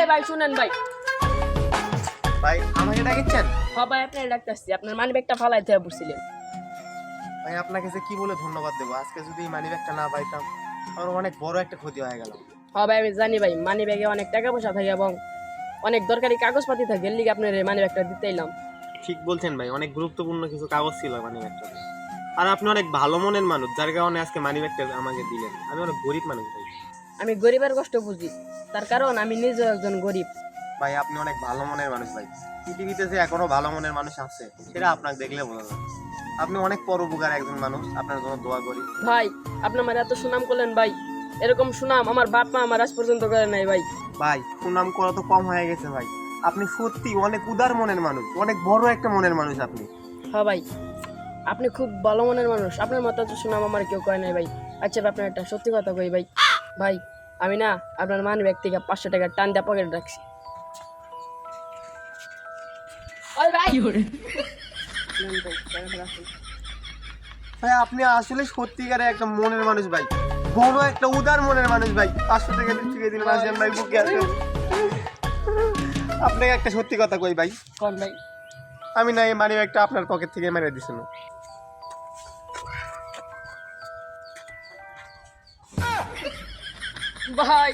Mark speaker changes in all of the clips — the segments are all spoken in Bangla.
Speaker 1: ভাই শুনেন ভাই।
Speaker 2: ভাই আমাকে ডাকছেন?
Speaker 1: হ্যাঁ ভাই আপনার ডাকতেছি, আপনার মানি ব্যাগটা ফালাই থেকে পড়ছিলেন।
Speaker 2: ভাই আপনাকে যে কি বলে ধন্যবাদ দেবো, আজকে যদি এই মানি ব্যাগটা না পাইতাম আমার অনেক বড় একটা ক্ষতি হয়ে গেল।
Speaker 1: হ্যাঁ ভাই আমি জানি ভাই, মানি ব্যাগে অনেক টাকা পয়সা থাকে এবং অনেক দরকারি কাগজপাতি থাকে, এর লিগে আপনার মানি ব্যাগটা দিতে এলাম।
Speaker 2: ঠিক বলছেন ভাই, অনেক গুরুত্বপূর্ণ কিছু কাগজ ছিল মানি ব্যাগটা। আর আপনি অনেক ভালো মনের মানুষ, যার কারণে আজকে মানি ব্যাগটা আমাকে দিলেন। আমি অনেক গরিব মানুষ ভাই।
Speaker 1: আমি গরিবের কষ্ট বুঝি, তার কারণ আমি নিজেও একজন গরিব।
Speaker 2: ভাই আপনি অনেক ভালো মনের মানুষ ভাই। পৃথিবীতে যে এখনো ভালো মনের মানুষ আছে সেটা আপনাকে দেখলে বোঝা যায়। আপনি অনেক পরোপকার একজন মানুষ, আপনার জন্য দোয়া করি।
Speaker 1: ভাই আপনি আমার এত সুনাম করলেন ভাই, এরকম সুনাম আমার বাপ মা আমার আজ পর্যন্ত করে নাই ভাই।
Speaker 2: ভাই সুনাম করা তো কম হয়ে গেছে ভাই, আপনি সত্যি অনেক উদার মনের মানুষ, অনেক বড় একটা মনের মানুষ আপনি।
Speaker 1: হ্যাঁ ভাই আপনি খুব ভালো মনের মানুষ, আপনার মতো তো সুনাম আমার কেউ করে নাই ভাই। আচ্ছা ভাই, আপনার একটা সত্যি কথা কই ভাই, ভাই আমি না আপনার মানি ব্যাগ থেকে 500 টাকা টান দিয়ে পকেটে রাখছি। ওই ভাই নেন ভাই, টাকাটা রাখুন।
Speaker 2: ভাই আপনি আসলে সত্যিকারে একটা মনের মানুষ ভাই, বড় একটা উদার মনের মানুষ ভাই। 500 টাকা দিয়ে দিলেন আসেন ভাই, বুকে আসেন। আপনাকে একটা সত্যি কথা কই ভাই,
Speaker 1: কোন ভাই?
Speaker 2: আমি না এই মানি ব্যাগটা আপনার পকেট থেকে মেরে দিছি না।
Speaker 1: ভাই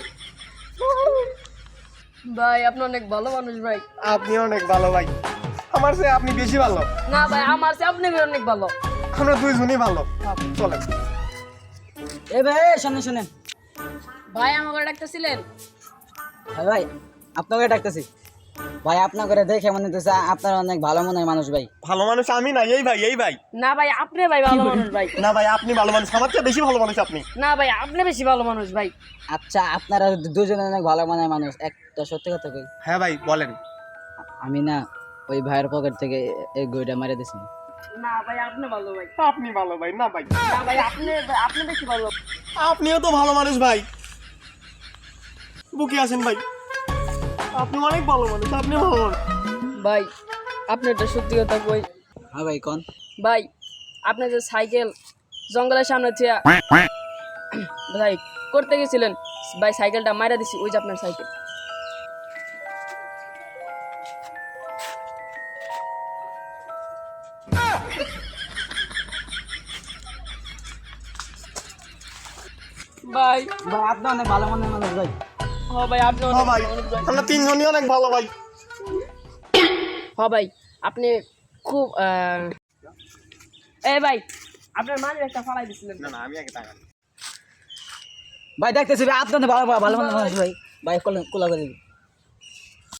Speaker 1: ভাই আপনি অনেক ভালো মানুষ ভাই।
Speaker 2: আপনি অনেক ভালো ভাই, আমার চেয়ে আপনি বেশি ভালো।
Speaker 1: না ভাই আমার চেয়ে আপনি অনেক ভালো।
Speaker 2: আমরা দুইজনই ভালো। চলেন।
Speaker 3: এ ভাই শুনেন শুনেন
Speaker 1: ভাই আমাকে ডাকতেছিলেন?
Speaker 3: হ্যাঁ ভাই আপনাকে ডাকতেছি ভাই। আপনাকে দেখে মনে হচ্ছে আপনার অনেক ভালো মনের মানুষ ভাই।
Speaker 2: ভালো মানুষ আমি না, এই ভাই, এই ভাই।
Speaker 1: না ভাই আপনি ভাই ভালো মানুষ ভাই।
Speaker 2: না ভাই আপনি ভালো মানুষ, আমার চেয়ে বেশি ভালো মানুষ আপনি।
Speaker 1: না ভাই আপনি বেশি ভালো মানুষ ভাই।
Speaker 3: আচ্ছা আপনারা দুজনে অনেক ভালো মনের মানুষ, একটা সত্যি কথা কই,
Speaker 2: হ্যাঁ ভাই বলেন।
Speaker 3: আমি না ওই ভাইয়ের পকেট থেকে এই গইটা মেরে দিছি।
Speaker 1: না ভাই আপনি ভালো ভাই।
Speaker 2: আপনি ভালো ভাই। না ভাই,
Speaker 1: না ভাই আপনি বেশি ভালো।
Speaker 2: আপনিও তো ভালো মানুষ ভাই, বুকে আছেন ভাই। আপনি অনেক ভালো মানুষ, আপনি ভালো মানুষ।
Speaker 1: ভাই আপনি একটা সত্যি কথা কই
Speaker 3: হ্যাঁ ভাই কোন?
Speaker 1: ভাই, আপনি যে সাইকেল জঙ্গলের সামনে থেকে ভাই করতে গেছিলেন ভাই, সাইকেলটা মাইরা দিছি, ওই যে আপনার সাইকেল। ভাই
Speaker 3: ভাই আপনি অনেক ভালো মনের মানুষ ভাই।
Speaker 1: হ ভাই আপনি
Speaker 2: হ্যাঁ
Speaker 1: অনেক
Speaker 2: ভাই,
Speaker 1: ভালো মানুষ ভাই।
Speaker 2: আমরা তিনজনই অনেক ভালো ভাই।
Speaker 1: হ ভাই আপনি খুব এই ভাই আপনার মানি একটা ফালাই দিছিলেন।
Speaker 2: না না, আমি আগে টাকা।
Speaker 3: ভাই দেখতেছি ভাই আপনি অনেক ভালো ভালো মনের মানুষ ভাই। ভাই কোলা করে দিবি।